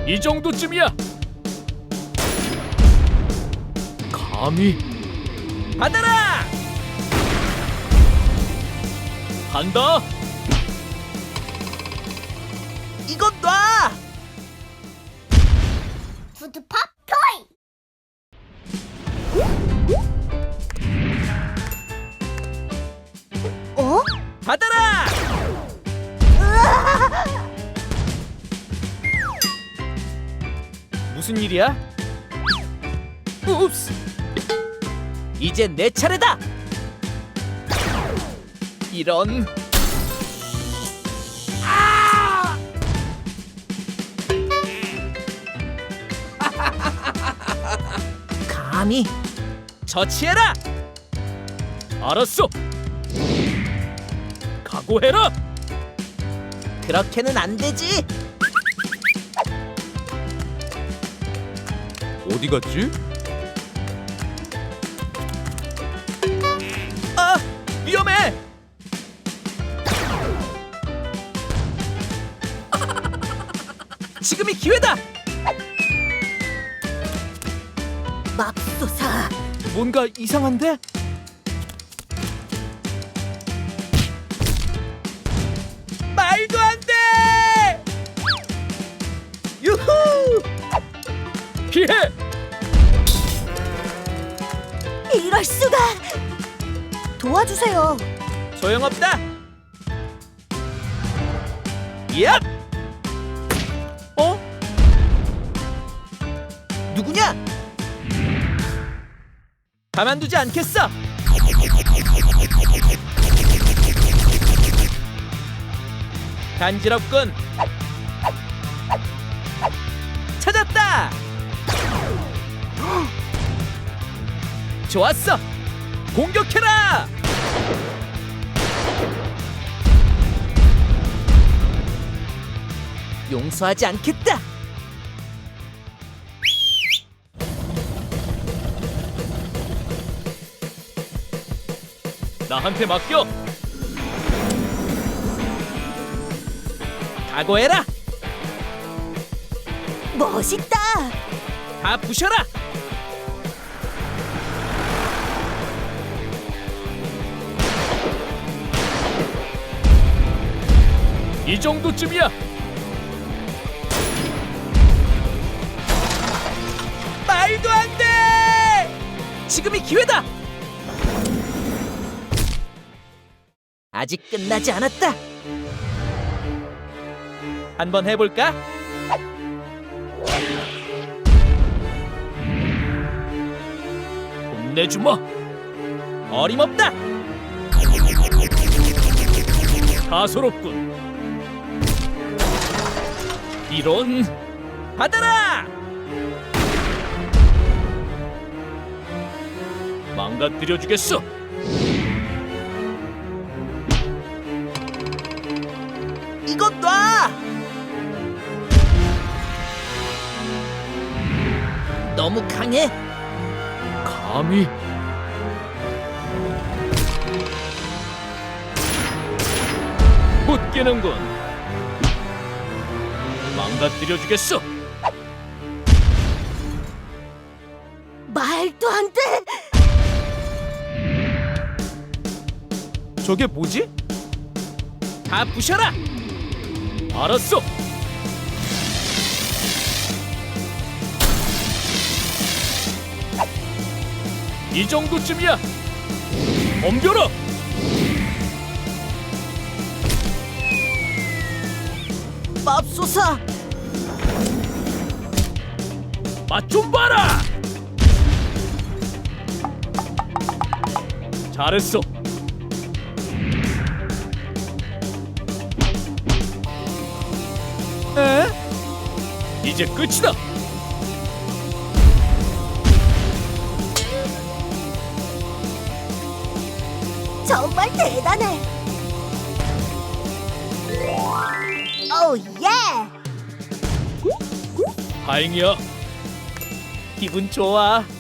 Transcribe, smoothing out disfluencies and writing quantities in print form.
이 정도쯤이야. 감히 받아라! 간다. 이것 놔! 푸드팝 토이. 어? 받아라! 무슨 일이야? 웁스! 이제 내 차례다! 이런... 아! 감히 처치해라! 알았어. 각오해라. 그렇게는 안 되지! 어디 갔지? 아! 위험해! 지금이 기회다! 맙소사. 뭔가 이상한데? 말도 안 돼! 유후! 피해. 이럴 수가. 도와주세요. 소용없다! 얍! 어? 누구냐? 가만두지 않겠어! 간지럽군! 찾았다! 좋았어! 공격해라! 용서하지 않겠다! 나한테 맡겨. 각오해라! 멋있다. 다 부셔라! 이 정도쯤이야. 말도 안 돼! 지금이 기회다! 아직 끝나지 않았다. 한번 해볼까? 혼내주마. 어림없다. 다소롭군. 이런. 받아라! 망가뜨려주겠어. 이것 놔! 너무 강해. 감히. 못 깨는군. 망가뜨려주겠어. 말도 안 돼. 저게 뭐지? 다 부셔라! 알았어. 이 정도쯤이야. 덤벼라. 맙소사! 맛 좀 봐라. 잘했어. 에? 이제 끝이다. 정말 대단해. 오 예. 다행이야. 기분 좋아.